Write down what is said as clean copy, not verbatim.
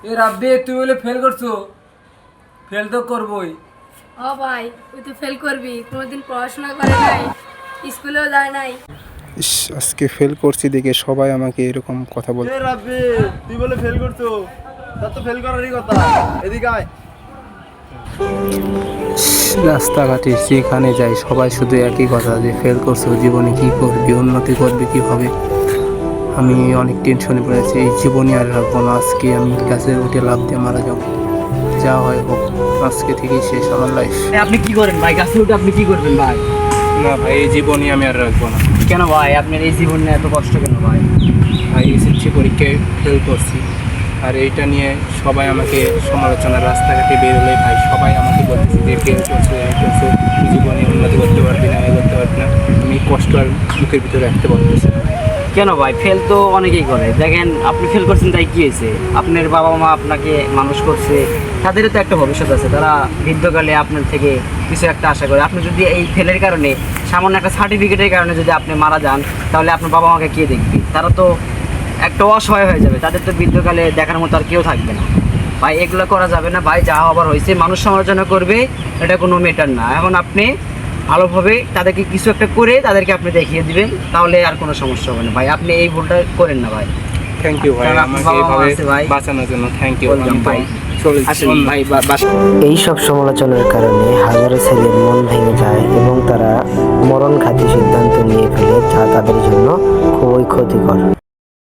এ রাব্বি তুই বলে ফেল করছো? ফেল তো করবই। ও ভাই তুই তো ফেল করবি, কোনোদিন পড়াশোনা করে নাই, স্কুলেও যায় নাই। ইস, আজকে ফেল করছি দেখে সবাই আমাকে এরকম কথা বলছে। এ রাব্বি তুই বলে ফেল করছো, তার তো ফেল করারই কথা। এদিকে আয়। রাস্তাঘাটে যেখানে যাই সবাই শুধু একই কথা, যে ফেল করছো, জীবনে কি করবি, উন্নতি করবি কিভাবে। আমি অনেক টেনশনে পড়েছি, এই জীবনে আর রাখবো না। আজকে আমি গাছে উঠে লাফ দিয়ে মারা যাবো, যা হয় হোক, আজকে থেকেই শেষ আমার লাইফ। আপনি কি করেন ভাই? গাছে উঠে আপনি কি করবেন ভাই? না ভাই, এই জীবনে আমি আর রাখবো না। কেন ভাই, আপনার এই জীবন নিয়ে এত কষ্ট কেন ভাই? ভাই এসএসসি পরীক্ষায় ফেল করছি, আর এইটা নিয়ে সবাই আমাকে সমালোচনা, রাস্তাঘাটে বেরোলে ভাই সবাই আমাকে বলতেছে যে ফেল করছো, এই করছো, জীবনে উন্নতি করতে পারবি না, এ করতে পারবি না। আমি কষ্ট আর বুকের ভিতরে রাখতে পারতেছি না। কেন ভাই, ফেল তো অনেকেই করে। দেখেন আপনি ফেল করছেন, তাই কি হয়েছে? আপনার বাবা মা আপনাকে মানুষ করছে, তাদেরও তো একটা ভবিষ্যৎ আছে। তারা বৃদ্ধকালে আপনার থেকে কিছু একটা আশা করে। আপনি যদি এই ফেলের কারণে, সামান্য একটা সার্টিফিকেটের কারণে যদি আপনি মারা যান, তাহলে আপনার বাবা মাকে কে দেখবে? তারা তো একটা অসহায় হয়ে যাবে, তাদের তো বৃদ্ধকালে দেখার মতো আর কেউ থাকবে না। ভাই এগুলো করা যাবে না ভাই, যা হবার হয়েছে। মানুষ সমালোচনা করবে, এটা কোনো ম্যাটার না। এখন আপনি ভালোভাবে তাদেরকে কিছু একটা করে তাদেরকে আপনি দেখিয়ে দিবেন, তাহলে আর কোনো সমস্যা হবে না ভাই। আপনি এই ভুলটা করেন না ভাই। থ্যাংক ইউ ভাই, কারণ আপনার আমাকে বাবা মা এইভাবে আছে ভাই। বাঁচানোর জন্য থ্যাংক ইউ ভাই। আসেন ভাই, এই সব সমালোচনার কারণে হাজারো ছেলের মন ভেঙে যায় এবং তারা মরণঘাতী সিদ্ধান্ত নিয়ে ফেলে, যা তাদের জন্য খুবই ক্ষতিকর।